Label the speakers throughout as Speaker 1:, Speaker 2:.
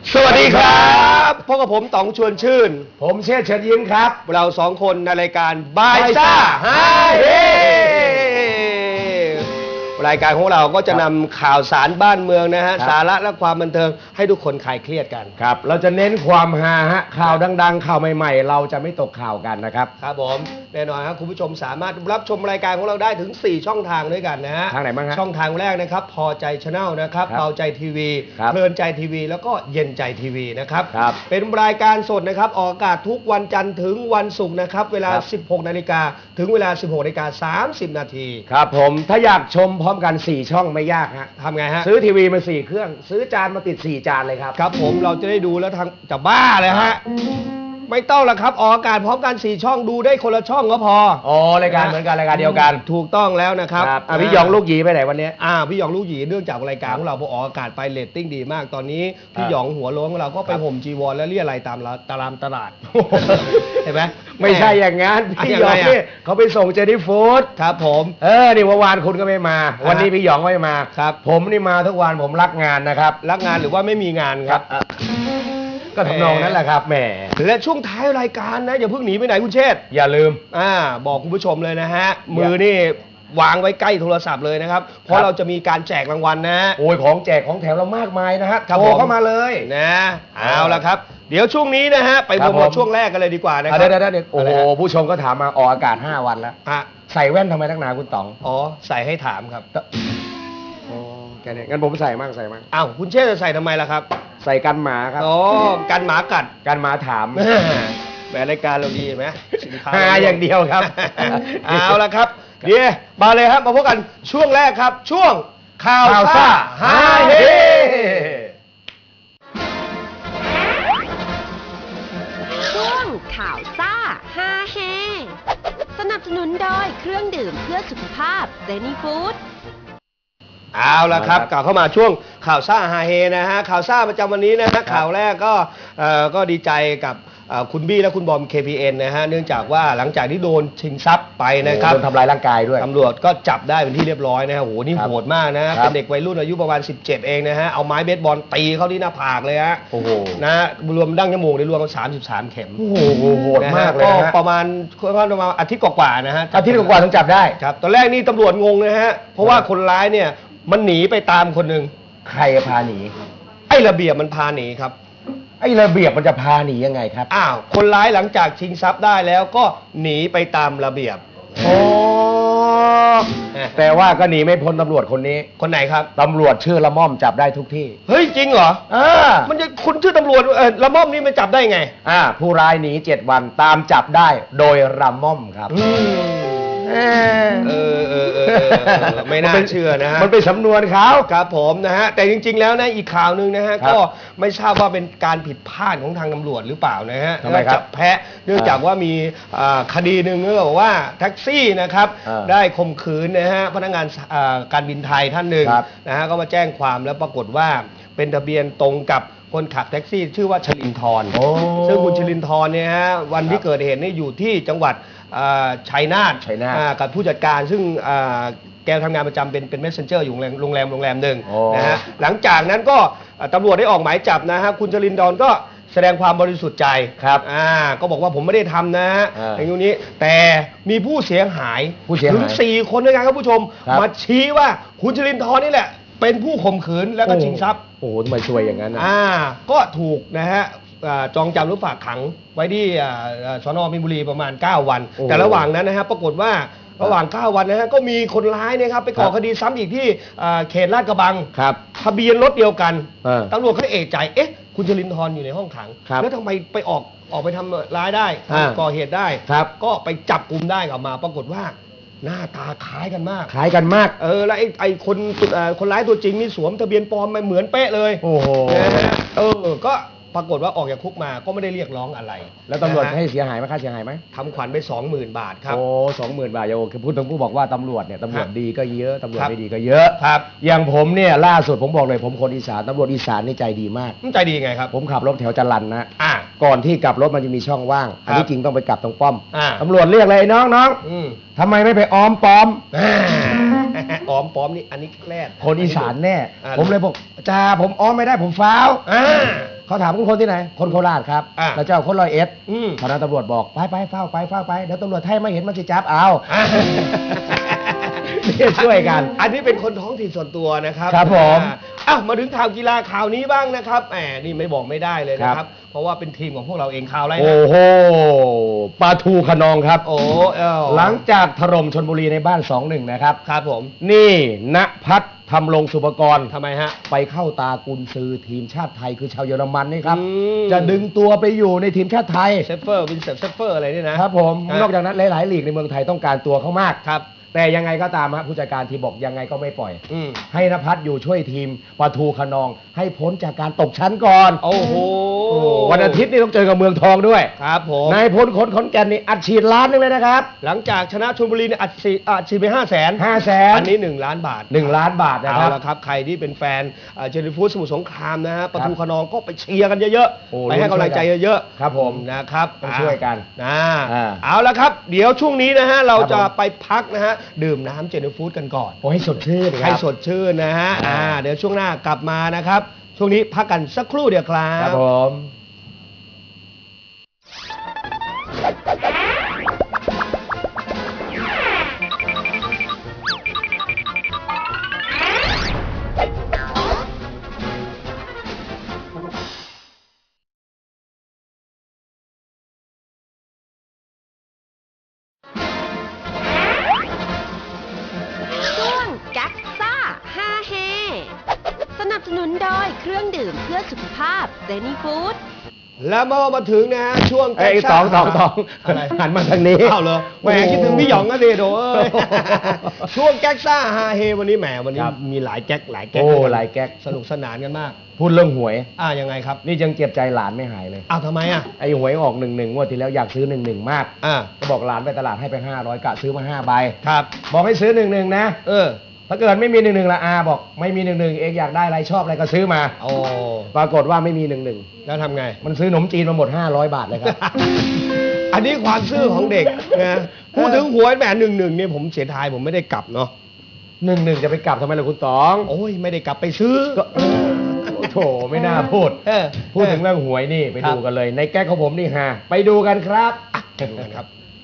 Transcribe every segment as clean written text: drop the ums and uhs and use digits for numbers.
Speaker 1: สวัสดีครับพบกับผมต๋องชวนชื่น
Speaker 2: ผมเชษฐ์เชิญยิ้มครับ
Speaker 1: เราสองคนในรายการบายซ่าฮาเฮรายการของเราก็จะนำข่าวสารบ้านเมืองนะฮะสาระและความบันเทิงให้ทุกคนคลายเครียดกัน
Speaker 2: ครับเราจะเน้นความฮาฮะข่าวดังๆข่าวใหม่ๆเราจะไม่ตกข่าวกันนะครับ
Speaker 1: ครับผมแน่นอนครับคุณผู้ชมสามารถรับชมรายการของเราได้ถึง4ช่องทางด้วยกันนะฮะ
Speaker 2: ทางไหนบ้างฮะ
Speaker 1: ช่องทางแรกนะครับพอใจชาแนลนะครับเบาใจทีวีเพลินใจทีวีแล้วก็เย็นใจทีวีนะครับเป็นรายการสดนะครับออกอากาศทุกวันจันทร์ถึงวันศุกร์นะครับเวลา 16 นาฬิกาถึงเวลา 16 นาฬิกา30 นาที
Speaker 2: ครับผมถ้าอยากชมพร้อมกัน4ช่องไม่ยากฮะ
Speaker 1: ทำไงฮะ
Speaker 2: ซื้อทีวีมา4เครื่องซื้อจานมาติด4จานเลยครับ
Speaker 1: ครับผมเราจะได้ดูแล้วทางจะบ้าเลยฮะไม่ต้องละครับออกอากาศพร้อมกัน4ช่องดูได้คนละช่องก็พอ
Speaker 2: อ๋อรายการเหมือนกันรายการเดียวกัน
Speaker 1: ถูกต้องแล้วนะครับ
Speaker 2: พี่หยองลูกหยีไปไหนวันนี้
Speaker 1: พี่หยองลูกหยีเนื่องจากรายการของเราพอออกอากาศไปเรตติ้งดีมากตอนนี้พี่หยองหัวโล้นของเราก็ไปห่มจีวรและเรียอะไรตามตลาดเห็นไหม
Speaker 2: ไม่ใช่อย่างงั้นพี่หยองนี่เขาไปส่งเจนี่ฟู้ด
Speaker 1: ครับผม
Speaker 2: นี่เมื่อวานคุณก็ไม่มาวันนี้พี่หยองไม่มา
Speaker 1: ครับ
Speaker 2: ผมนี่มาทุกวันผมรักงานนะครับ
Speaker 1: รักงานหรือว่าไม่มีงานครับ
Speaker 2: ก็ทำนองนั้นแหละครับแหม
Speaker 1: และช่วงท้ายรายการนะอย่าเพิ่งหนีไปไหนคุณเชษฐ์
Speaker 2: อย่าลืม
Speaker 1: บอกคุณผู้ชมเลยนะฮะมือนี่วางไว้ใกล้โทรศัพท์เลยนะครับเพราะเราจะมีการแจกรางวัลนะ
Speaker 2: โอ้ยของแจกของแถมเรามากมายนะฮะโทรเข้ามาเลย
Speaker 1: นะเอาละครับเดี๋ยวช่วงนี้นะฮะไปโปรโมทช่วงแรกกันเลยดีกว่านะครับ
Speaker 2: เดี๋ยวโอ้โหผู้ชมก็ถามมาออกอากาศ5 วันแล้วใส่แว่นทำไมนักหนาคุณต๋อง
Speaker 1: ใส่ให้ถามครับ
Speaker 2: แค่นี้งั้นผมใส่มั่ง
Speaker 1: อ้าวคุณเชษจะใส่ทำไมล่ะครับ
Speaker 2: ใส่กันหมาครับ
Speaker 1: กันหมากัด
Speaker 2: กันหมาถาม
Speaker 1: แหมรายการเราดีไหมสินค้า
Speaker 2: อย่างเดียวครับ
Speaker 1: เอาละครับเดี๋ยวมาเลยครับมาพบกันช่วงแรกครับช่วงข่าวซ่าฮาเฮ
Speaker 3: ช่วงข่าวซ่าฮาเฮสนับสนุนโดยเครื่องดื่มเพื่อสุขภาพเจนี่ฟู้ด
Speaker 1: เอาละครับกลับเข้ามาช่วงข่าวซ่าฮาเฮนะฮะข่าวซ่าประจำวันนี้นะฮะข่าวแรกก็ดีใจกับคุณบี้และคุณบอม KPN นะฮะเนื่องจากว่าหลังจากที่โดนชิงทรัพย์ไปนะครับ
Speaker 2: โดนทำลายร่างกายด้วย
Speaker 1: ตำรวจก็จับได้เป็นที่เรียบร้อยนะฮะโหนี่โหดมากนะเป็นเด็กวัยรุ่นอายุประมาณ17เองนะฮะเอาไม้เบสบอลตีเข้าที่หน้าผากเลยฮะ
Speaker 2: โอ้โห
Speaker 1: นะรวมดั้งจมูกได้รวมกัน33 เข็ม
Speaker 2: โอ้โหโหดมากเลย
Speaker 1: ก็ประมาณอาทิตย์กว่าๆนะฮะ
Speaker 2: อาทิตย์กว่าถึงจับได้
Speaker 1: ครับตอนแรกนี่ตำรวจงงนะฮะเพราะว่าคนร้ายเนี่ยมันหนีไปตามคนหนึ่ง
Speaker 2: ใครพาหนี
Speaker 1: ไอ้ระเบียบมันพาหนีครับ
Speaker 2: ไอ้ระเบียบมันจะพาหนียังไงครับ
Speaker 1: คนร้ายหลังจากชิงทรัพย์ได้แล้วก็หนีไปตามระเบียบ
Speaker 2: แต่ว่าก็หนีไม่พ้นตำรวจคนนี้
Speaker 1: คนไหนครับ
Speaker 2: ตำรวจชื่อละม่อมจับได้ทุกที่
Speaker 1: เฮ้ยจริงเหรอมันจะคุณชื่อตำรวจละม่อมนี่มันจับได้ไง
Speaker 2: ผู้ร้ายหนี7 วันตามจับได้โดยละม่อมครับ
Speaker 1: ไม่น่าเชื่อนะฮะ
Speaker 2: มันเป็นสำนวนเขา
Speaker 1: ครับผมนะฮะแต่จริงๆแล้วนะอีกข่าวหนึ่งนะฮะก็ไม่ทราบว่าเป็นการผิดพลาดของทางตำรวจหรือเปล่านะฮะจับแพะเนื่องจากว่ามีคดีหนึ่งก็บอกว่าแท็กซี่นะครับได้ข่มขืนนะฮะพนักงานการบินไทยท่านหนึ่งนะฮะก็มาแจ้งความแล้วปรากฏว่าเป็นทะเบียนตรงกับคนขับแท็กซี่ชื่อว่าชลินทร์ซึ่งคุณชลินทร์เนี่ยฮะวันที่เกิดเหตุนี่อยู่ที่จังหวัดชัยนาทกับผู้จัดการซึ่งแกทำงานประจำเป็นเมสเซนเจอร์อยู่โรงแรมหนึ่งนะฮะหลังจากนั้นก็ตำรวจได้ออกหมายจับนะฮะคุณชลินทร์ก็แสดงความบริสุทธิ์ใจ
Speaker 2: ครับ
Speaker 1: ก็บอกว่าผมไม่ได้ทำนะฮะอย่างนี้แต่มีผู้เสียหายถึง4 คนด้วยกันครับผู้ชมมาชี้ว่าคุณชลินทร์นี่แหละเป็นผู้ข่มขืนแล้วก็ชิงทรัพย์
Speaker 2: โอ้โหทำไมช่วยอย่างนั้น
Speaker 1: ก็ถูกนะฮะจองจำหรือฝากขังไว้ที่สน.มีนบุรีประมาณ9 วันแต่ระหว่างนั้นนะฮะปรากฏว่าระหว่าง9 วันนะฮะก็มีคนร้ายนะครับไปก่อคดีซ้ำอีกที่เขตลาดกระบังทะเบียนรถเดียวกันตำรวจเขาเอะใจคุณชลินทร์อยู่ในห้องขังแล้วทำไมไปออกไปทำร้ายได้ก่อเหตุได้ก็ไปจับกุมได้กลับมาปรากฏว่าหน้าตาคล้ายกันมากแล้วคนร้ายตัวจริงนี่สวมทะเบียนปลอมมาเหมือนเป๊ะเลย
Speaker 2: โอ้โห
Speaker 1: ก็ปรากฏว่าออกจากคุกมาก็ไม่ได้เรียกร้องอะไร
Speaker 2: แล้วตำรวจให้เสียหายไหมค่าเสียหายไหม
Speaker 1: ทำขวัญไป 20,000 บาทครับ
Speaker 2: โอ้ 20,000 บาทโยคือพูดถึงผู้บอกว่าตำรวจเนี่ยตำรวจดีก็เยอะตำรวจไม่ดีก็เยอะ
Speaker 1: ครับ
Speaker 2: อย่างผมเนี่ยล่าสุดผมบอกเลยผมคนอีสานตำรวจอีสานนี่ใจดีมาก
Speaker 1: ใจดีไงครับ
Speaker 2: ผมขับรถแถวจรัญนะก่อนที่กลับรถมันจะมีช่องว่างอันนี้จริงต้องไปกลับตรงป้อมตำรวจเรียกเลยน้องทำไมไม่ไปอ้อมป้อม
Speaker 1: นี่อันนี้แคลด
Speaker 2: คนอีสานแน่ผมเลยบอกจ่าผมอ้อมไม่ได้ผมฟาวเขาถามคุณคนที่ไหนคนโคราชครับ แล้วเจ้าคน101ตอนนั้นตำรวจบอกไปเฝ้าไปเดี๋ยวตำรวจไทยไม่เห็นมันจะจับเอาช่วยกัน
Speaker 1: อันนี้เป็นคนท้องถิ่นส่วนตัวนะครับ
Speaker 2: ครับผม
Speaker 1: มาถึงข่าวกีฬาข่าวนี้บ้างนะครับแหมนี่ไม่บอกไม่ได้เลยนะครับเพราะว่าเป็นทีมของพวกเราเองข่าวอะไรนะ
Speaker 2: โอ้โหปลาทูขนองครับ
Speaker 1: โอ้
Speaker 2: หลังจากถล่มชลบุรีในบ้าน 2-1 นะครับ
Speaker 1: ครับผม
Speaker 2: นี่ณภัทรทำลงสุปกรณ์
Speaker 1: ทำไมฮะ
Speaker 2: ไปเข้าตากุนซือทีมชาติไทยคือชาวเยอรมันนี่ครับจะดึงตัวไปอยู่ในทีมชาติไทย
Speaker 1: เซฟเฟอร์วินเซฟเฟอร์อะไรนี่นะครับ
Speaker 2: ผมนอกจากนั้นหลายๆลีกในเมืองไทยต้องการตัวเขามาก
Speaker 1: ครับ
Speaker 2: แต่ยังไงก็ตามฮะผู้จัดการทีมบอกยังไงก็ไม่ปล่อยให้ณภัทรอยู่ช่วยทีมปทุมขนองให้พ้นจากการตกชั้นก่อน
Speaker 1: โอ้โห
Speaker 2: วันอาทิตย์นี่ต้องเจอกับเมืองทองด้วย
Speaker 1: ครับผม
Speaker 2: นายพลขอนแก่นนี่อัดฉีดล้านนึงเลยนะครับ
Speaker 1: หลังจากชนะชลบุรีนี่อัดฉีดไป500,000อันนี้1 ล้านบาท
Speaker 2: 1 ล้านบาทนะครับ
Speaker 1: เอาละครับใครที่เป็นแฟนเจนิฟูดสมุทรสงครามนะฮะปทุมขนองก็ไปเชียร์กันเยอะๆไปให้กำลังใจเยอะ
Speaker 2: ๆครับผม
Speaker 1: นะครับ
Speaker 2: ต้องช่วยกัน
Speaker 1: เอาละครับเดี๋ยวช่วงนี้นะฮะเราจะไปพักนะฮะดื่มน้ำเจนิฟูดกันก่อน
Speaker 2: ให้สดชื่น
Speaker 1: ให้สดชื่นนะฮะเดี๋ยวช่วงหน้ากลับมานะครับช่วงนี้พักกันสักครู่เดียวครับ
Speaker 2: ครับผม
Speaker 3: สนับสนุนโดยเครื่องดื่มเพื่อสุขภาพเซนีฟู้ด
Speaker 1: แล้วเมื่อมาถึงนะฮะช่วง
Speaker 2: แก๊กซ่าอะไรหันมาทางนี้
Speaker 1: อ้าวเหรอแหมคิดถึงพี่หยองก็ดีโดช่วงแก๊กซ่าฮาเฮวันนี้แหมวันนี้มีหลายแก๊กหลายแก๊กสนุกสนานกันมาก
Speaker 2: พูดเรื่องหวย
Speaker 1: ยังไงครับ
Speaker 2: นี่ยังเจ็บใจหลานไม่หายเลย
Speaker 1: ทำไม
Speaker 2: ไอ้หวยออก11งวดที่แล้วอยากซื้อ11มากก็บอกหลานไปตลาดให้ไป500กะซื้อมา5ใบ
Speaker 1: ครับ
Speaker 2: บอกให้ซื้อ11นะถ้าเกิดไม่มี11ละบอกไม่มี11เองอยากได้อะไรชอบอะไรก็ซื้อมาปรากฏว่าไม่มี11
Speaker 1: แล้วทำไง
Speaker 2: มันซื้อขนมจีนมาหมด500 บาทเลยครับ
Speaker 1: อันนี้ความซื่อของเด็กนะพูดถึงหวยแหม11เนี่ยผมเสียดายผมไม่ได้กลับเนาะ
Speaker 2: 11จะไปกลับทำไมล่ะคุณตอง
Speaker 1: โอ้ยไม่ได้กลับไปซื้อ
Speaker 2: โถไม่น่าพูดถึงเรื่องหวยนี่ไปดูกันเลยในแก๊กของผมนี่ฮะไปดูกันครับ
Speaker 1: ไปดูกันครับ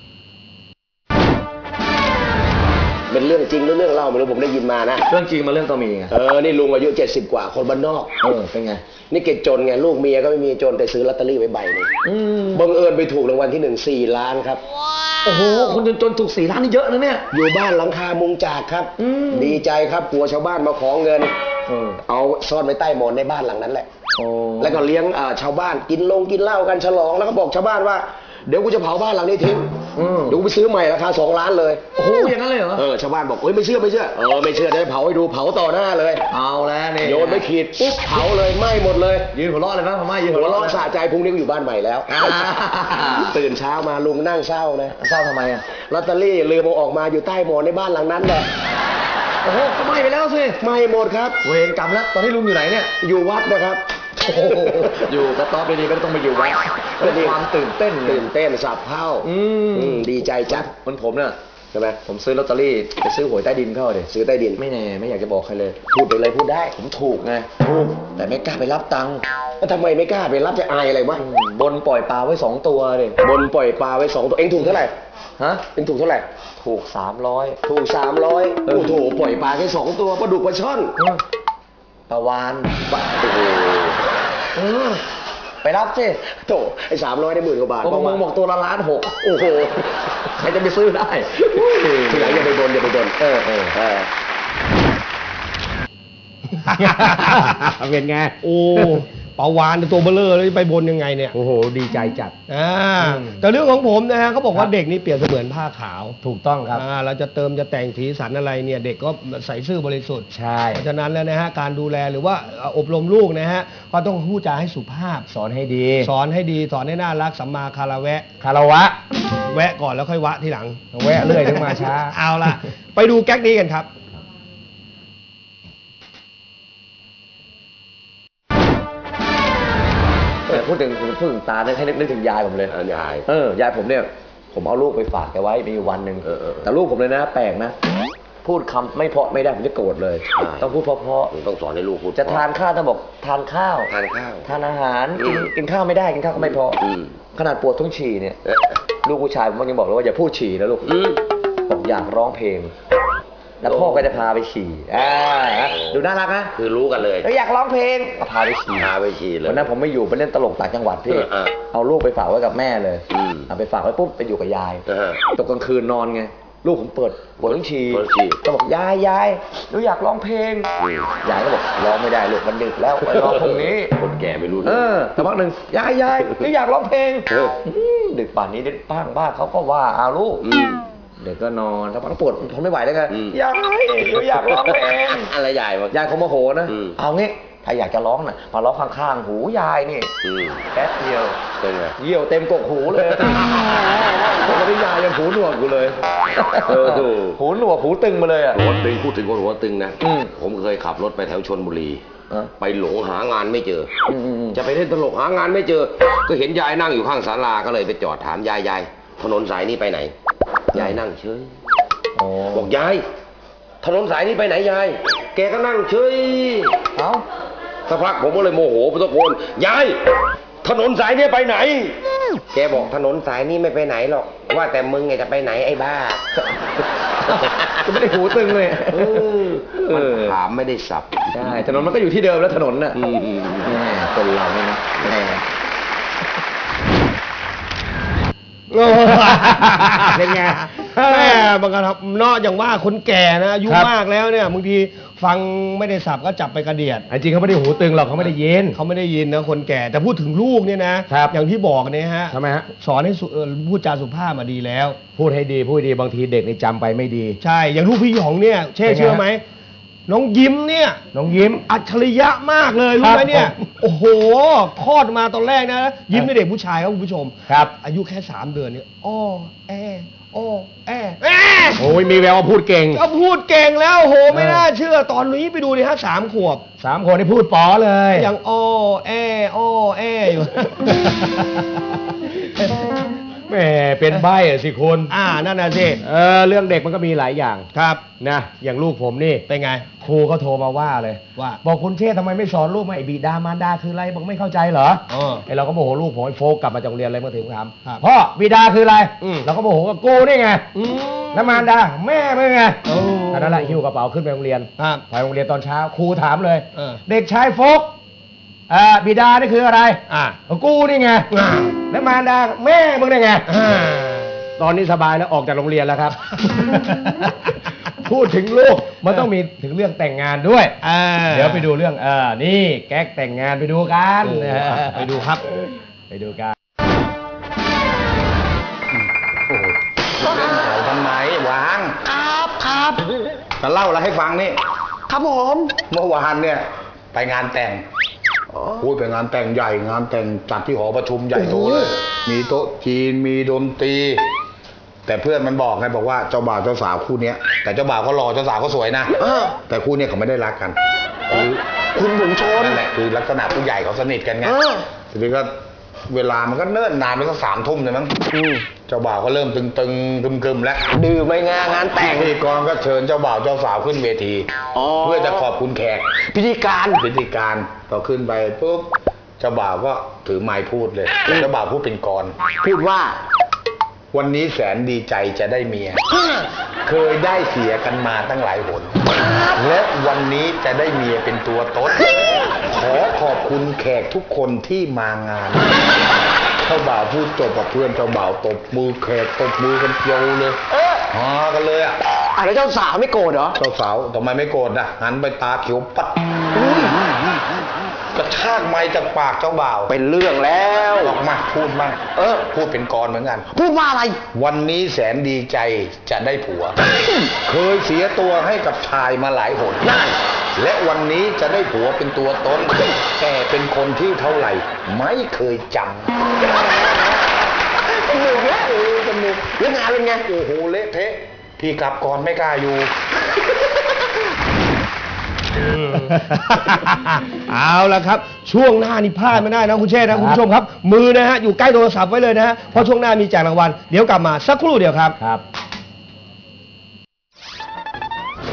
Speaker 4: เป็นเรื่องจริงหรือเรื่องเล่าไม่รู้ผมได้ยินมานะ
Speaker 2: เรื่องจริงมาเรื่องต้องมีไง
Speaker 4: นี่ลุงอายุ70 กว่าคนบ้านนอก
Speaker 2: เป็นไง
Speaker 4: นี่เกจนไงลูกเมียก็ไม่มีจนแต่ซื้อลอตเตอรี่ไว้ใบนึงบังเอิญไปถูกรางวัลที่1 4 ล้านครับ
Speaker 2: โอ้โหคนจนถูก4 ล้านนี่เยอะนะเนี่ย
Speaker 4: อยู่บ้านหลังคามุงจากครับดีใจครับกลัวชาวบ้านมาขอเงินเอาซ่อนไว้ใต้หมอนในบ้านหลังนั้นแหละแล้วก็เลี้ยงชาวบ้านกินเหล้ากันฉลองแล้วก็บอกชาวบ้านว่าเดี๋ยวกูจะเผาบ้านหลังนี้ทิ้งเดี๋ยวกูไปซื้อใหม่ราคา2 ล้านเลย
Speaker 2: โอ้โหอย่างนั้นเลยเหรอ
Speaker 4: ชาวบ้านบอกไม่เชื่อไม่เชื่อเดี๋ยวเผาให้ดูเผาต่อหน้าเลย
Speaker 2: เอาแล้วนี่
Speaker 4: โยนไม่ขีดปุ๊บเผาเลยไหม้หมดเลย
Speaker 2: ยืนหัวเราะเลยนะพ่อไม่ยืน
Speaker 4: หัวเราะสะใจพุ่งนี้ก็อยู่บ้านใหม่แล้วตื่นเช้ามาลุงนั่งเศร้านะ
Speaker 2: เศร้าทำไม
Speaker 4: ลอตเตอรี่ลืมเอาออกมาอยู่ใต้หมอนในบ้านหลังนั้นแหละ
Speaker 2: โอ้โหก็ไหม้ไปแล้วสิ
Speaker 4: ไหม้หมดครับ
Speaker 2: เวรกรรมแล้วตอนนี้ลุงอยู่ไหนเนี่ย
Speaker 4: อยู่วัดนะครับ
Speaker 2: อยู่กระต๊อบดีๆก็ต้องไปอยู่วัดเป็นความตื่นเต้น
Speaker 4: สับเผ่าดีใจจัด
Speaker 2: มันผมเนี่ย
Speaker 4: ใช่ไหม
Speaker 2: ผมซื้อลอตเตอรี่ไปซื้อหวยใต้ดินเข้าเลย
Speaker 4: ซื้อใต้ดิน
Speaker 2: ไม่แน่ไม่อยากจะบอกใครเลย
Speaker 4: พูดไปเลยพูดได้
Speaker 2: ผมถูกไง
Speaker 4: ถูกแต่ไม่กล้าไปรับตังค์แล้วทำไมไม่กล้าไปรับจะอายอะไรวะ
Speaker 2: บนปล่อยปลาไว้2 ตัวเลย
Speaker 4: บนปล่อยปลาไว้2 ตัวเองถูกเท่าไหร่เองถูกเท่าไหร่
Speaker 2: ถูก300
Speaker 4: ถูก300โอ้โหปล่อยปลาแค่2 ตัวปลาดุกปลาช่อน
Speaker 2: ปลาวาน
Speaker 4: โอ้โหไปรับสิโถไอ้300ได้10,000 กว่าบาท
Speaker 2: บอกตัวละ1,600,000โอ้โหใครจะไปซื้อได้
Speaker 4: ทีหลังอย่าไปบน
Speaker 2: เป็นไง
Speaker 1: โอ้ปาวานตัวเบลอเลยไปบนยังไงเนี่ย
Speaker 2: โอ้โหดีใจจัด
Speaker 1: แต่เรื่องของผมนะฮะเขาบอกว่าเด็กนี่เปรียบเสมือนผ้าขาว
Speaker 2: ถูกต้องครับ
Speaker 1: เราจะเติมจะแต่งสีสันอะไรเนี่ยเด็กก็ใส่ซื่อบริสุทธิ์
Speaker 2: ใช่
Speaker 1: เพราะฉะนั้นแล้วนะฮะการดูแลหรือว่าอบรมลูกนะฮะก็ต้องพูดจาให้สุภาพ
Speaker 2: สอนให้ดี
Speaker 1: สอนให้น่ารักสัมมาคารวะแวะก่อนแล้วค่อยวะทีหลัง
Speaker 2: แวะเรื่อยถึงมาช้า
Speaker 1: เอาล่ะไปดูแก๊กนี้กันครับ
Speaker 2: พูดถึงตาให้นึกถึงยายผมเลย
Speaker 4: ยาย
Speaker 2: ยายผมเนี่ยผมเอาลูกไปฝากแกไว้มีวันหนึ่งแต่ลูกผมเลยนะแปลกนะ
Speaker 5: พูดคำไม่เพราะไม่ได้ผมจะโกรธเลย ต้องพูดเพราะ
Speaker 4: ต้องสอนให้ลูกพูด
Speaker 5: ๆจะทานข้าวต้องบอกทานข้าว
Speaker 4: ทานข้าว
Speaker 5: ทานอาหารกินข้าวไม่ได้กินข้าวก็ไม่เพราะ ขนาดปวดท้องฉี่เนี่ยลูกผู้ชายผมยังบอกเลยว่าอย่าพูดฉี่นะลูกบอกอยากร้องเพลง แล้วพ่อก็จะพาไปฉี่ดูน่ารักนะ
Speaker 4: คือรู้กันเลย
Speaker 5: แล้วอยากร้องเพลงก็พาไปฉี่
Speaker 4: พาไปฉี่เลย
Speaker 5: วันนั้นผมไม่อยู่ไปเล่นตลกต่างจังหวัดพี่ เอาลูกไปฝากไว้กับแม่เลยเอาไปฝากไว้ปุ๊บไปอยู่กับยายตกกลางคืนนอนไงลูกผมปวดท้องฉี่ก็บอกยายหนูอยากร้องเพลงยายก็บอกร้องไม่ได้ลูกมันดึกแล้วไปร้องตรงนี้
Speaker 4: คนแก่ไม่รู้
Speaker 5: แต่พักหนึ่งยายหนูอยากร้องเพลงดึกป่านนี้เด็กบ้านเขาก็ว่าเอาลูกเด็กก็นอนถ้าพักปวดทนไม่ไหวแล้วไงยายหนูอยากร้องเพลง
Speaker 4: อะไรใหญ่วะ
Speaker 5: ยายเขาโมโหนะเอางี้ถ้าอยากจะร้องน่ะมาร้องข้างๆหูยายนี่แป๊บเดียว
Speaker 4: เป็นไง
Speaker 5: เยี่ยวเต็มกกหูเลยปกติยายยังหูหนวกอยู่เลยหูหนวกหูตึงมาเลยอ่ะ
Speaker 4: หัวตึงพูดถึงคนหัวตึงนะผมเคยขับรถไปแถวชลบุรีไปหลงหางานไม่เจอจะไปเล่นตลกหางานไม่เจอก็เห็นยายนั่งอยู่ข้างศาลาก็เลยไปจอดถามยายถนนสายนี้ไปไหนยายนั่งเฉยบอกยายถนนสายนี้ไปไหนยายแกก็นั่งเฉยสักพักผมก็เลยโมโหตะโกนยายถนนสายนี้ไปไหนแกบอกถนนสายนี้ไม่ไปไหนหรอกว่าแต่มึงไงจะไปไหนไอ้บ้า
Speaker 5: ก็ไม่ได้หูตึงเลย
Speaker 4: มันถามไม่ได้สับ
Speaker 5: ใช่ถนนมันก็อยู่ที่เดิมแล้วถนนน่ะคนเราเนี่ยนะ
Speaker 1: เป็นไงแม่บางคนเนาะอย่างว่าคนแก่นะอายุมากแล้วเนี่ยบางทีฟังไม่ได้สับก็จับไปกระเดียด
Speaker 2: จริงเขาไม่ได้หูตึงหรอกเขาไม่ได้ยิน
Speaker 1: เขาไม่ได้ยินนะคนแก่แต่พูดถึงลูกเนี่ยนะอย่างที่บอกเนี่ยฮะ
Speaker 2: ทำไมฮะ
Speaker 1: สอนให้พูดจาสุภาพมาดีแล้ว
Speaker 2: พูดให้ดีพูดดีบางทีเด็กนี่จำไปไม่ดี
Speaker 1: ใช่อย่างลูกพี่หยองเนี่ยเชื่อไหมน้องยิ้มเนี่ย
Speaker 2: น้องยิ้ม
Speaker 1: อัจฉริยะมากเลยรู้ไหมเนี่ยโอ้โหคลอดมาตอนแรกนะยิ้มเป็นเด็กผู้ชายครับคุณผู้ชม
Speaker 2: ครับ
Speaker 1: อายุแค่3 เดือนเนี่ย
Speaker 2: โอ้ยมีแววว่าพูดเก่ง
Speaker 1: ก็พูดเก่งแล้วโหไม่น่าเชื่อตอนนี้ไปดูดิฮะ3 ขวบ
Speaker 2: 3 ขวบนี่พูดป๋อเลย
Speaker 1: ยังอยู่
Speaker 2: แหมเป็นใบ้สิคุณ
Speaker 1: นั่นน่ะสิ
Speaker 2: เรื่องเด็กมันก็มีหลายอย่าง
Speaker 1: ครับ
Speaker 2: นะอย่างลูกผมนี่
Speaker 1: เป็นไง
Speaker 2: ครูเขาโทรมาว่าเลย
Speaker 1: ว่า
Speaker 2: บอกคุณเชษทำไมไม่สอนลูกมาไอ้บิดามารดาคืออะไรบอกไม่เข้าใจเหรอไอ้เราก็โมโหลูกผมไอ้โฟกกลับมาจากโรงเรียนอะไรเมื่อถึงถามพ่อบิดาคืออะไรเราก็โมโหว่ากูนี่ไงแล้วมารดาแม่ไม่ไงนั่นแหละหิ้วกระเป๋าขึ้นไปโรงเรียนไปโรงเรียนตอนเช้าครูถามเลยเด็กชายโฟกบิดานี่คืออะไรกูนี่ไงแล้วมารดาแม่มึงนี่ไงตอนนี้สบายแล้วออกจากโรงเรียนแล้วครับ พูดถึงลูกมันต้องมีถึงเรื่องแต่งงานด้วยเดี๋ยวไปดูเรื่องนี่แก๊กแต่งงานไปดูกัน
Speaker 1: ไปดูครับ
Speaker 2: ไปดูกัน
Speaker 6: เล่นแถวทำไมวาง
Speaker 1: ครับ
Speaker 6: จะเล่าอะไรให้ฟังนี่
Speaker 1: ครับผม
Speaker 6: เมื่อวานเนี่ยไปงานแต่งไปงานแต่งใหญ่งานแต่งจัดที่หอประชุมใหญ่โตเลยมีโต๊ะจีนมีดนตรีแต่เพื่อนมันบอกไงบอกว่าเจ้าบ่าวเจ้าสาวคู่เนี้ยแต่เจ้าบ่าวก็รอเจ้าสาวก็สวยนะแต่คู่เนี้ยเขาไม่ได้รักกัน
Speaker 1: คุณบุ๋มชน
Speaker 6: นั่นแหละคือลักษณะผู้ใหญ่เขาสนิทกันไงทีนี้ก็เวลามันก็เนิ่นนานไปสัก3 ทุ่มเลยมั้งเจ้าบ่าวก็เริ่มตึงกึมแล้ว
Speaker 1: ดื่มไปงานแต่ง
Speaker 6: พิธีกรก็เชิญเจ้าบ่าวเจ้าสาวขึ้นเวทีเพื่อจะขอบคุณแขก
Speaker 1: พิธีการ
Speaker 6: พอขึ้นไปปุ๊บเจ้าบ่าวก็ถือไมค์พูดเลยเจ้าบ่าวพูดเป็นกร
Speaker 1: พูดว่า
Speaker 6: วันนี้แสนดีใจจะได้เมียเคยได้เสียกันมาตั้งหลายหนและวันนี้จะได้เมียเป็นตัวตนขอขอบคุณแขกทุกคนที่มางานเจ้าบ่าวพูดจบกับเพื่อนเจ้าบ่าวตบมือแขกตบมือกันเจียวเลยฮากันเลย
Speaker 1: แล้วเจ้าสาวไม่โกรธเหรอ
Speaker 6: เจ้าสาวทำไมไม่โกรธนะหันไปตาเขียวปัดกระชากไม้จากปากเจ้าบ่าว
Speaker 1: เป็นเรื่องแล้ว
Speaker 6: ออกมาพูดมาพูดเป็นกรเหมือนกัน
Speaker 1: พูดว่าอะไร
Speaker 6: วันนี้แสนดีใจจะได้ผัวเคยเสียตัวให้กับชายมาหลายหนและวันนี้จะได้ผัวเป็นตัวตนแต่เป็นคนที่เท่าไหร่ไม่เคยจำ
Speaker 1: สนุกแล้วสนุกแล้วงานเป็นไง
Speaker 6: โอ้โหเละเทะพี่กลับก่อนไม่กล้าอยู่
Speaker 1: เอาละครับช่วงหน้านี่พลาดไม่ได้นะคุณเชษนะคุณผู้ชมครับมือนะฮะอยู่ใกล้โทรศัพท์ไว้เลยนะฮะเพราะช่วงหน้ามีแจกรางวัลเดี๋ยวกลับมาสักครู่เดียวครับ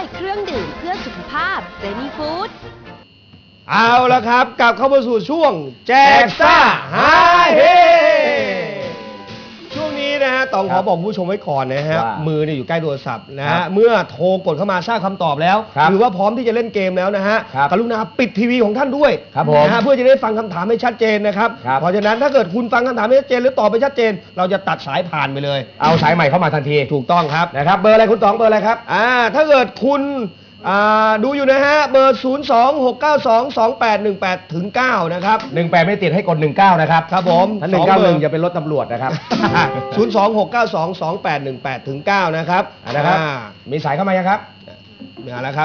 Speaker 3: เครื่องดื่มเพื่อสุขภาพเจนี่ฟู้ด
Speaker 1: เอาละครับกลับเข้ามาสู่ช่วงแจกซ่าฮาเฮช่วงนี้นะฮะต้องขอบอกผู้ชมไว้ก่อนนะฮะ
Speaker 2: ว่า
Speaker 1: มือเนี่ยอยู่ใกล้โทรศัพท์นะ
Speaker 2: ครั
Speaker 1: ฮะ
Speaker 2: บ
Speaker 1: เมื่อโทรกดเข้ามาทราบคำตอบแล้ว
Speaker 2: ครับ
Speaker 1: หรือว่าพร้อมที่จะเล่นเกมแล้วนะฮะ
Speaker 2: ครับ
Speaker 1: กรุณาปิดทีวีของท่านด้วย
Speaker 2: ครับผม
Speaker 1: นะฮะเพื่อจะได้ฟังคำถามให้ชัดเจนนะครับ
Speaker 2: ครับ
Speaker 1: เพราะฉะนั้นถ้าเกิดคุณฟังคำถามไม่ชัดเจนหรือตอบไม่ชัดเจน เราจะตัดสายผ่านไปเลย
Speaker 2: เอาสายใหม่เข้ามาทันที
Speaker 1: ถูกต้องครับ
Speaker 2: นะครับ เบอร์อะไรคุณต๋องเบอร์อะไรครับ
Speaker 1: ถ้าเกิดคุณดูอยู่นะฮะเบอร์ 026922818ถึง9นะครับ
Speaker 2: 18 ไม่ติดให้กด 19 นะครับ
Speaker 1: ครับผม
Speaker 2: ถ้า
Speaker 1: สองเบอร์
Speaker 2: 191อย่าเป็นรถตำรวจนะครับ
Speaker 1: 026922818ถึง9นะครับ
Speaker 2: นะครับ มีสายเข้ามายังครับ
Speaker 1: มาแล้วครับ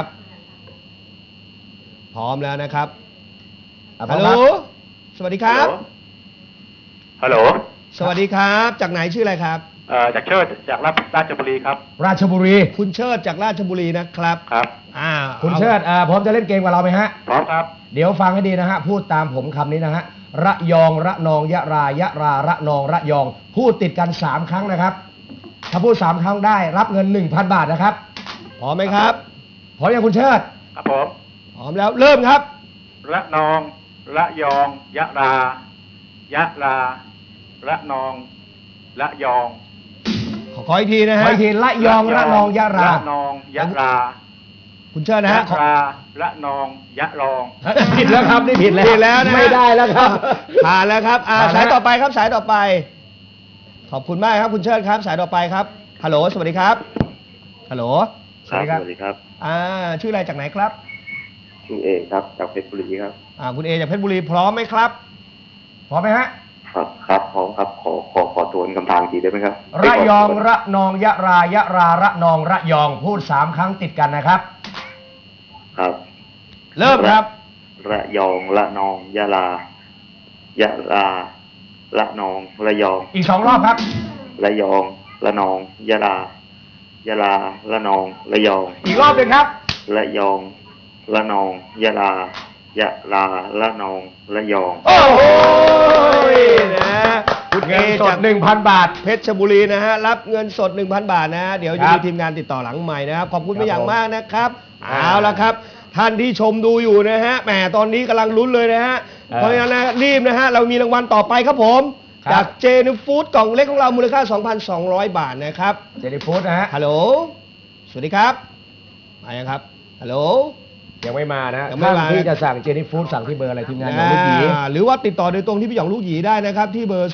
Speaker 1: พร้อมแล้วนะครับ
Speaker 2: อ่ะพร้
Speaker 1: ฮั
Speaker 2: อ
Speaker 1: ล
Speaker 2: ม
Speaker 1: โหล
Speaker 2: ครับ
Speaker 1: สวัสดีครับ
Speaker 7: ฮัลโหล
Speaker 1: สวัสดีครับ จากไหนชื่ออะไรครับ
Speaker 7: จากเชิดจากราชบุรีครับ
Speaker 2: ราชบุรี
Speaker 1: คุณเชิดจากราชบุรีนะครับ
Speaker 7: ครับ
Speaker 2: คุณเชิดพร้อมจะเล่นเกมกับเราไหมฮะ
Speaker 7: พร้อมครับ
Speaker 2: เดี๋ยวฟังให้ดีนะฮะ พูดตามผมคำนี้นะฮะ ระยอง ระนอง ยะรา ยะรา ระนอง ระยอง พูดติดกัน 3 ครั้งนะครับ ถ้าพูด 3 ครั้งได้รับเงิน 1,000 บาทนะครับ
Speaker 1: พร้อมไหมครับ
Speaker 2: พร้อมยังคุณเชิด
Speaker 7: ครับผม
Speaker 1: พร้อมแล้วเริ่มครับ
Speaker 7: ระนอง ระยอง ยะรา ยะรา ระนอง ระยอง
Speaker 1: ขออีกทีนะ
Speaker 2: ขอ
Speaker 1: ฮะ
Speaker 2: อีกทีระยอง ระนอง ยะรา
Speaker 7: ระนอง ยะรา
Speaker 1: คุณเชิดนะ
Speaker 7: ยะ
Speaker 1: ฮะ
Speaker 7: รา ระนอง ยะรอง
Speaker 2: ผิดแล้วครับนี่ผิดแล้ว
Speaker 1: ผิดแล้วนะฮะ
Speaker 2: ไม่ได้แล้วครับ
Speaker 1: ผ่านแล้วครับ
Speaker 2: ผ่านแล้ว
Speaker 1: สายต่อไปครับสายต่อไป ขอบคุณมากครับคุณเชิดครับ สายต่อไปครับฮัลโหลสวัสดีครับฮัลโหล
Speaker 7: สวัสดีครับ
Speaker 1: ชื่ออะไรจากไหนครับ
Speaker 7: ชื่อเอกครับ จากเพชรบุรีครับ
Speaker 1: คุณเอจากเพชรบุรีพร้อมไหมครับ
Speaker 2: พร้อมไหมฮะ
Speaker 7: ครับพร้อมครับ ขอทวนคำถามอีกทีได้ไหมครับ
Speaker 2: ระยอง ระนอง ยะรา ยะรา ระนอง ระยอง พูด 3 ครั้งติดกันนะครับ
Speaker 7: ครับ
Speaker 1: เริ่มครับ
Speaker 7: ระยอง ระนอง ยะรา ยะรา ระนอง ระยอง
Speaker 2: อีก 2 รอบครับ
Speaker 7: ระยอง ระนอง ยะรา ยะรา ระนอง ระยอง
Speaker 2: อีกรอบหนึ่งครับ
Speaker 7: ระยอง ระนอง ยะรา ยะรา ระนอง ระยอง
Speaker 1: โอ้โหนะคุณเอ
Speaker 2: เงินส
Speaker 1: จา
Speaker 2: ด
Speaker 1: ก
Speaker 2: 1,000 บาท
Speaker 1: เพชรบุรีนะฮะรับเงินสด 1,000 บาทนะฮะเดี๋ยวจะ
Speaker 2: ครั
Speaker 1: มี
Speaker 2: บ
Speaker 1: ทีมงานติดต่อหลังใหม่นะครับขอบคุณ
Speaker 2: ครับ
Speaker 1: เป็นอย่าง
Speaker 2: ผม
Speaker 1: มากนะครับ
Speaker 2: อ่า
Speaker 1: เอาละครับ ท่านที่ชมดูอยู่นะฮะแหมตอนนี้กำลังลุ้นเลยนะฮะ เพราะฉะนั้นนะรีบนะฮะเรามีรางวัลต่อไปครับผม
Speaker 2: ครับ
Speaker 1: จากเจนฟู้ดกล่องเล็กของเรามูลค่า 2,200 บาทนะครับ
Speaker 2: เจนี่ฟู้ดนะฮะ
Speaker 1: ฮัลโหลสวัสดีครับมายังครับฮัลโหล
Speaker 2: ยังไม่มานะฮะ
Speaker 1: ยังไม่
Speaker 2: ท่าน
Speaker 1: มา
Speaker 2: ที่จะสั่งเจนี่ฟู้ดสั่งที่เบอร์อะไรทีมงานของลูกหยี
Speaker 1: หรือว่าติดต่อโดยตรงที่พี่หยองลูกหยีได้นะครับที่เบอร์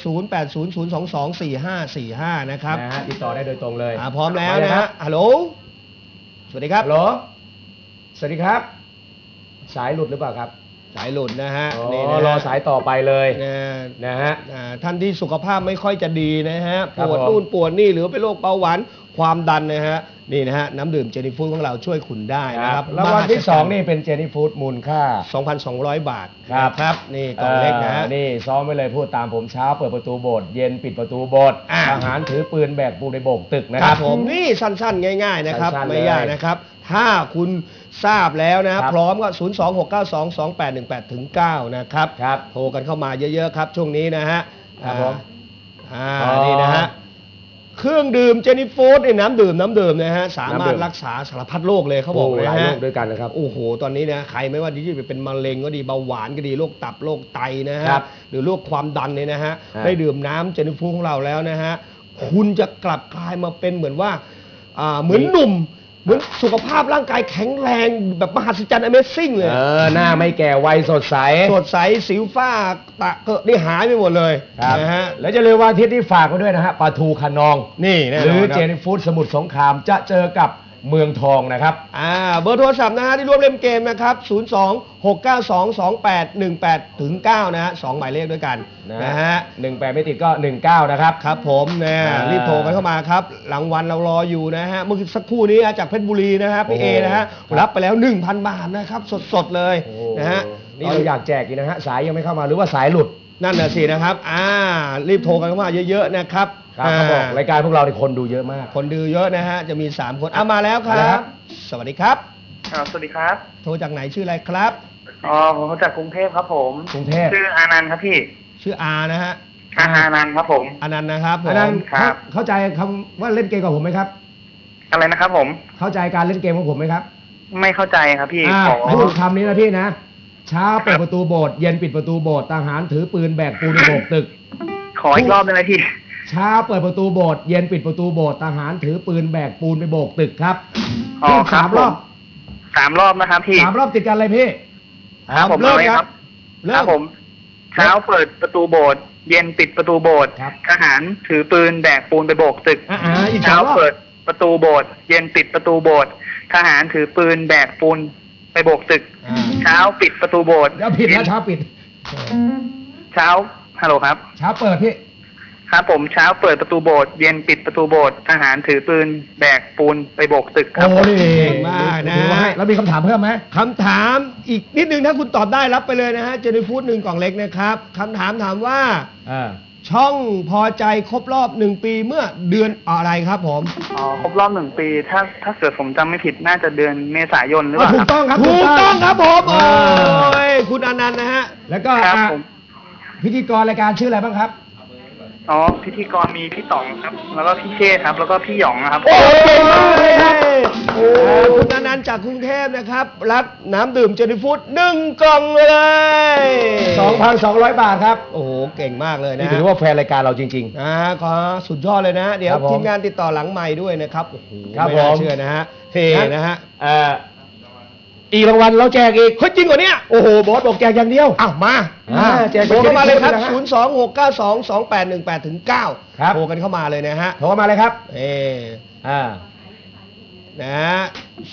Speaker 1: 0800224545 นะครับ
Speaker 2: นะฮะติดต่อได้โดยตรงเลย
Speaker 1: พร้อมแล้วนะฮะฮัลโหลสวัสดีครับ
Speaker 2: ฮัลโหลสวัสดีครับ สายหลุดหรือเปล่าครับ
Speaker 1: สายหลุดนะฮะ
Speaker 2: อ๋อ
Speaker 1: นี่นะฮะ
Speaker 2: รอสายต่อไปเลย
Speaker 1: นะ
Speaker 2: นะฮะ
Speaker 1: ท่านที่สุขภาพไม่ค่อยจะดีนะฮะ
Speaker 2: ครั
Speaker 1: ป
Speaker 2: บ
Speaker 1: วด
Speaker 2: ผม
Speaker 1: นู่นปวดนี่หรือเป็นโรคเบาหวานความดันนะฮะนี่นะฮะน้ำดื่มเจนี่ฟู้ดของเราช่วยคุณได้นะครับ
Speaker 2: รางวัลที่ 2 นี่เป็นเจนี่ฟู้ดมูลค่า
Speaker 1: 2,200 บาท
Speaker 2: ครับ
Speaker 1: ครับนี่กล่องเล็กนะฮะ
Speaker 2: นี่ซ้อมไว้เลยพูดตามผมเช้าเปิดประตูโบสถ์เย็นปิดประตูโบสถ์
Speaker 1: อ่า
Speaker 2: ทหารถือปืนแบกปูนในโบกตึกนะ
Speaker 1: ค
Speaker 2: ค
Speaker 1: รั
Speaker 2: รั
Speaker 1: บบ ผมนี่สั้นๆ ง่าย ๆนะครับ
Speaker 2: สั้นๆ
Speaker 1: ไม่ยาก
Speaker 2: เลย
Speaker 1: นะครับ ถ้าคุณทราบแล้วนะ
Speaker 2: ครับ
Speaker 1: พร้อมก็ 026922818ถึง9นะครับ
Speaker 2: ครับ
Speaker 1: โทรกันเข้ามาเยอะๆครับ ช่วงนี้นะฮะ
Speaker 2: ครับผม
Speaker 1: นี่นะฮะเครื่องดื่มเจนี่ฟู้ดน้ำดื่มนะฮะสามารถรักษาสารพัดโรคเลยเขาบอก
Speaker 2: โอ้
Speaker 1: นะ
Speaker 2: หลายโร
Speaker 1: ฮะ
Speaker 2: คด้วยกันนะครับ
Speaker 1: โอ้โห ตอนนี้นะใครไม่ว่าที่จะเป็นมะเร็งก็ดีเบาหวานก็ดีโรคตับโรคไตนะฮะ
Speaker 2: ครับ
Speaker 1: หรือโรคความดันเนี่ยนะฮะ
Speaker 2: ฮะ
Speaker 1: ได้ดื่มน้ำเจนี่ฟู้ดของเราแล้วนะฮะคุณจะกลับกลายมาเป็นเหมือนว่าเหมือนหนุ่ม เหมือนสุขภาพร่างกายแข็งแรงแบบมหัศจรรย์ Amazing เลย
Speaker 2: หน้าไม่แก่วัยสดใส
Speaker 1: สดใสสิวฝ้าตะเกอะนี่หายไปหมดเลย
Speaker 2: ครับ
Speaker 1: นะฮะ
Speaker 2: แล้วจะลืมวันอาทิตย์ที่ฝากไว้ด้วยนะฮะปลาทูขนอง
Speaker 1: นี่แน่น
Speaker 2: หรือ
Speaker 1: อนค
Speaker 2: เจ
Speaker 1: รับ
Speaker 2: นี่ฟู้ดสมุทรสงครามจะเจอกับเมืองทองนะครับ
Speaker 1: เบอร์โทรศัพท์นะฮะที่ร่วมเล่นเกมนะครับ 026922818ถึง9นะฮะ2หมายเลขด้วยกันนะฮะ
Speaker 2: 18 ไม่ติดก็ 19 นะครับ
Speaker 1: ครับผมนะ
Speaker 2: อ่ารี
Speaker 1: รีบโทรกันเข้ามาครับรางวัลเรารออยู่นะฮะเมื่อสักครู่นี้จากเพชรบุรีนะฮะพี่
Speaker 2: โอ้
Speaker 1: เอ
Speaker 2: โห
Speaker 1: นะฮะ
Speaker 2: ครับ
Speaker 1: รับไปแล้ว 1,000 บาทนะครับสดๆเลย
Speaker 2: โอ้
Speaker 1: นะฮะ
Speaker 2: นี่เราอยากแจกอีกนะฮะ สายยังไม่เข้ามาหรือว่าสายหลุด
Speaker 1: นั่นน่ะสินะครับรีบโทรกันเข้ามาเยอะๆนะครับ
Speaker 2: ครับเขาบอกรายการพวกเราในคนดูเยอะมาก
Speaker 1: คนดูเยอะนะฮะจะมี3คนมาแล้วค
Speaker 2: มาแล้วครั
Speaker 1: รับ
Speaker 2: บ
Speaker 1: สวัสดีครับ
Speaker 8: สวัสดีครับ
Speaker 1: โทรจากไหนชื่ออะไรครับ
Speaker 8: ผมมาจากกรุงเทพครับผม
Speaker 2: กรุงเทพ
Speaker 8: ชื่ออานันต์ครับพี่
Speaker 1: ชื่ออานะฮะ
Speaker 8: อานันต์ครับผม
Speaker 1: อนันต์นะครับผม
Speaker 2: อันนั้น
Speaker 8: ครับ
Speaker 2: เข้าใจคำว่าเล่นเกมกับผมไหมครับ
Speaker 8: อะไรนะครับผม
Speaker 2: เข้าใจการเล่นเกมของผมไหมครับ
Speaker 8: ไม่เข้าใจครับพี่
Speaker 2: อ่า
Speaker 8: ขอ
Speaker 2: พูดคำนี้นะพี่นะ เช้าเปิดประตูโบสถ์เย็นปิดประตูโบสถ์ทหารถือปืนแบกปูนไปโบกตึก
Speaker 8: ขออีกรอบได้ไหมพี่
Speaker 2: เช้าเปิดประตูโบสถ์เย็นปิดประตูโบสถ์ทหารถือปืนแบกปูนไปโบกตึกครับ
Speaker 8: อ๋อ
Speaker 2: พูด
Speaker 8: ครับ
Speaker 2: สามรอบ
Speaker 8: 3 รอบนะครับพี่
Speaker 2: 3 รอบติดกันเลยพี่
Speaker 8: ครับผม
Speaker 1: เริ่ม
Speaker 8: อาไว้
Speaker 1: ครับ
Speaker 8: ค
Speaker 1: เริ่
Speaker 8: รั
Speaker 1: ม
Speaker 8: บผม เช้าเปิดประตูโบสถ์เย็นปิดประตูโบสถ์
Speaker 2: ครับ
Speaker 8: ทหารถือปืนแบกปูนไปโบกตึก
Speaker 2: อีก
Speaker 8: เช้า
Speaker 2: 3 รอบ
Speaker 8: เปิดประตูโบสถ์เย็นปิดประตูโบสถ์ทหารถือปืนแบกปูนไปโบกตึก เช้าปิดประตูโบสถ์
Speaker 2: แล้วผิดแล้วเช้าปิด
Speaker 8: เช้าฮัลโหลครับ
Speaker 2: เช้าเปิดพี่
Speaker 8: ครับผมเช้าเปิดประตูโบสถ์เย็นปิดประตูโบสถ์ทหารถือปืนแบกปูนไปโบกตึกครับ
Speaker 2: โอ้นี่
Speaker 1: เก่งมากนะ
Speaker 2: ถือว่าให้แล้วมีคำถามเพิ่มไหม
Speaker 1: คำถามอีกนิดนึงถ้าคุณตอบได้รับไปเลยนะฮะเจนี่ฟู้ด1 กล่องเล็กนะครับคำถามถามว่า ช่องพอใจครบรอบ1 ปีเมื่อเดือนอะไรครับผม
Speaker 8: อ๋อครบรอบ1 ปี ถ้าเกิดผมจำไม่ผิดน่าจะเดือนเมษายนหรือเปล่า
Speaker 2: ถู
Speaker 8: ค
Speaker 2: ก
Speaker 8: รับ
Speaker 2: ต้องครับ
Speaker 1: ถูกต้องครับผม
Speaker 2: เอ
Speaker 1: โอ้
Speaker 2: อย
Speaker 1: คุณอนันต์นะฮะ
Speaker 2: แล้วก็
Speaker 8: ครับ
Speaker 2: อ่ะ
Speaker 8: ผม
Speaker 2: พิธีกรรายการชื่ออะไรบ้างครับ
Speaker 8: อ๋อพิธีกรมีพี่ต๋องครับ แล้วก็พี่เชษครับ แล้วก็พี่หยองนะครับ
Speaker 1: โอ้ยคุณอนันต์จากกรุงเทพนะครับรับน้ำดื่มเจนี่ฟู้ด1 กล่องเลย
Speaker 2: 2,200 บาทครับ
Speaker 1: โอ้โหเก่งมากเลย
Speaker 2: นี่
Speaker 1: นะ
Speaker 2: ถือว่าแฟนรายการเราจริง
Speaker 1: ขอสุดยอดเลยนะ เดี๋ยว
Speaker 2: ครับผม
Speaker 1: ทีมงานติดต่อหลังไมค์ด้วยนะครับโอ้โห
Speaker 2: ครับ
Speaker 1: ไม่น่า
Speaker 2: ผม
Speaker 1: เชื่อนะฮะเท่
Speaker 2: ๆ
Speaker 1: นะฮะ
Speaker 2: อีกรางวัลเราแจกอีก
Speaker 1: เฮ้ยจริงเหรอเนี่ย
Speaker 2: โอ้โหบอสบอกแจกอย่างเดียว
Speaker 1: อ้าวมา
Speaker 2: แจก
Speaker 1: โทรเข้ามาเลยครับ
Speaker 2: นะฮะ
Speaker 1: 026922818-9
Speaker 2: ครับ
Speaker 1: โทรกันเข้ามาเลยนะฮะ
Speaker 2: โทรมาเลยครับ
Speaker 1: อ่านะฮะ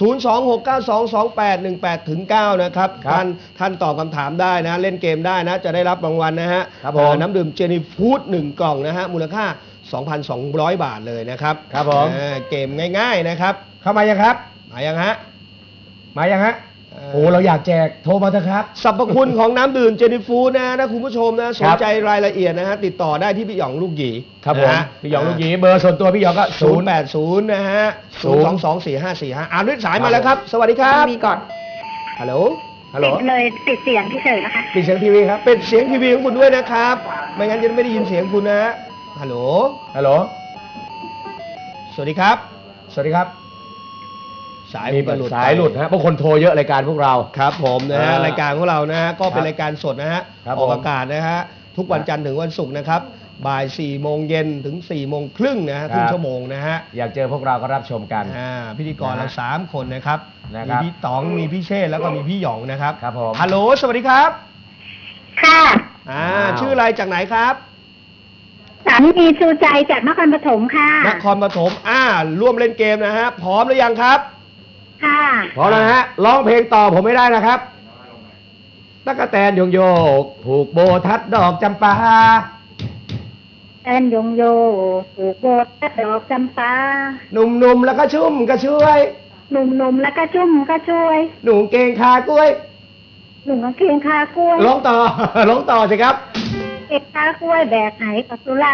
Speaker 1: 026922818-9 นะครับ
Speaker 2: ครับ
Speaker 1: ท่านตอบคำถามได้นะ เล่นเกมได้นะ จะได้รับรางวัลนะฮะ
Speaker 2: ครับผม
Speaker 1: น้ำดื่มเจนี่ฟู้ด1 กล่องนะฮะ มูลค่า 2,200 บาทเลยนะครับ
Speaker 2: ครับผม
Speaker 1: เกมง่ายๆนะครับ
Speaker 2: เข้ามายังครับ
Speaker 1: มายังฮะ
Speaker 2: มายังฮะโอ้เราอยากแจกโทรมาเถอะครับ
Speaker 1: สรรพคุณของน้ำดื่มเจนี่ฟู้ดนะคุณผู้ชมนะสนใจรายละเอียดนะฮะติดต่อได้ที่พี่หยองลูกหยี
Speaker 2: ครับผม
Speaker 1: นะฮะ
Speaker 2: พี่หยองลูกหยีเบอร์ส่วนตัวพี่หยองก็
Speaker 1: 080นะฮะ0224545อ่านด้วยสายมาแล้วครับ สวัสดีครับ
Speaker 9: มีก่อน
Speaker 1: ฮัลโหล
Speaker 2: ฮัลโหล
Speaker 9: ปิดเลยปิดเสียงเฉยๆนะคะ
Speaker 1: ปิดเสียงทีวีครับปิดเสียงทีวีของคุณด้วยนะครับ ไม่งั้นจะไม่ได้ยินเสียงคุณนะฮะฮัลโหล
Speaker 2: ฮัลโหล
Speaker 1: สวัสดีครับ
Speaker 2: สวัสดีครับ
Speaker 1: สาย
Speaker 2: มี
Speaker 1: ผมก็หลุด
Speaker 2: สายหลุดฮะบางคนโทรเยอะรายการพวกเรา
Speaker 1: ครับผมนะฮะ
Speaker 2: อ่าร
Speaker 1: ายการของเรานะฮะก็เป็น
Speaker 2: ครับ
Speaker 1: รายการสดนะฮะ
Speaker 2: ครับ
Speaker 1: ออก
Speaker 2: ผม
Speaker 1: อากาศนะฮะทุกวันจันทร์ถึงวันศุกร์นะครับบ่าย4 โมงเย็นถึง4 โมงครึ่งนะฮะครึ่งชั่วโมงนะฮะ
Speaker 2: อยากเจอพวกเราก็รับชมกัน
Speaker 1: พิธีกร
Speaker 2: นะฮะ
Speaker 1: เรา3 คนนะครับ
Speaker 2: นะ
Speaker 1: มี
Speaker 2: ครับ
Speaker 1: พี่ต๋องมีพี่เชษฐ์แล้วก็มีพี่หยองนะครับ
Speaker 2: ครับผม
Speaker 1: ฮัลโหลสวัสดีครับ
Speaker 9: ค่ะ
Speaker 2: ว้าว
Speaker 1: ชื่ออะไรจากไหนครับ
Speaker 9: สามีชูใจจากนครปฐมค่ะ
Speaker 1: นครปฐมร่วมเล่นเกมนะฮะพร้อมหรือยังครับ
Speaker 9: ค่ะ
Speaker 2: พร้อมแล้วนะฮะร้องเพลงต่อผมไม่ได้นะครับตั๊กแตนโยงโยกผูกโบทัดดอกจำปา
Speaker 9: แอนยงโยผูกโบสถ์ดอกจำปา
Speaker 2: หนุ่มๆแล้วก็ชุ่มก็ช่วย
Speaker 9: หนุ่มๆแล้วก็ชุ่มก็ช่วย
Speaker 2: หนุ่มเกงคากล้วย
Speaker 9: หนุ่มกางเกงคากล้วย
Speaker 2: ร้องต่อ ร้องต่อสิครับ
Speaker 9: เก็บคากล้วยแบกไหกับสุรา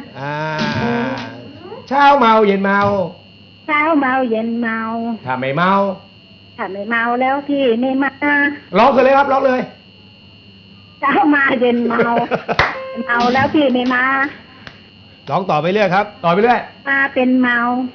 Speaker 2: เช้าเมาเย็นเมา
Speaker 9: เช้าเมาเย็นเมา
Speaker 2: ถ้าไม่เมา
Speaker 9: ถ้าไม่เมาแล้วพี่ไม่มา
Speaker 2: ร้องเลยครับร้องเลย
Speaker 9: เช้ามาเย็นเมา เมาแล้วพี่ไม่มา
Speaker 1: ร้องต่อไปเรื่อยครับ
Speaker 2: ต่อไปเรื่อย
Speaker 9: มาเป็นเมา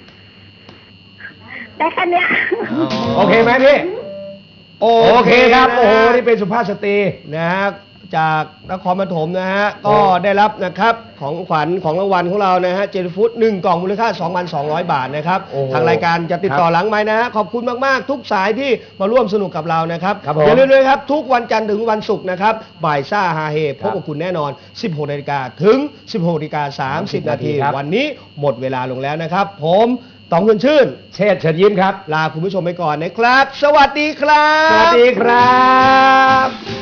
Speaker 9: ได้แค่เนี้ย
Speaker 2: โอเคไหมพี่ โอเคครับ
Speaker 1: นะ
Speaker 2: โอ้โห นี่เป็นสุภาพสตรี
Speaker 1: นะฮะจากนครปฐมนะฮะก็ได้รับนะครับของขวัญของรางวัลของเรานะฮะเจนฟู้ด1 กล่องมูลค่า 2,200 บาทนะครับ
Speaker 2: โอ้โห
Speaker 1: ทางรายการจะติดต่อหลังไม้นะฮะขอบคุณมากๆทุกสายที่มาร่วมสนุกกับเรานะครับ
Speaker 2: ครับผม
Speaker 1: อย่าลืมเลยครับทุกวันจันทร์ถึงวันศุกร์นะครับบ่ายซ่าฮาเฮพบกับคุณแน่นอน 16 นาฬิกาถึง 16 นาฬิกา 30 นาที
Speaker 2: ครับ
Speaker 1: วันนี้หมดเวลาลงแล้วนะครับ ผมต๋องเงินชื่น
Speaker 2: เชษฐ์เชิญยิ้มครับ
Speaker 1: ลาคุณผู้ชมไปก่อนนะครับ สวัสดีครับ
Speaker 2: สวัสดีครับ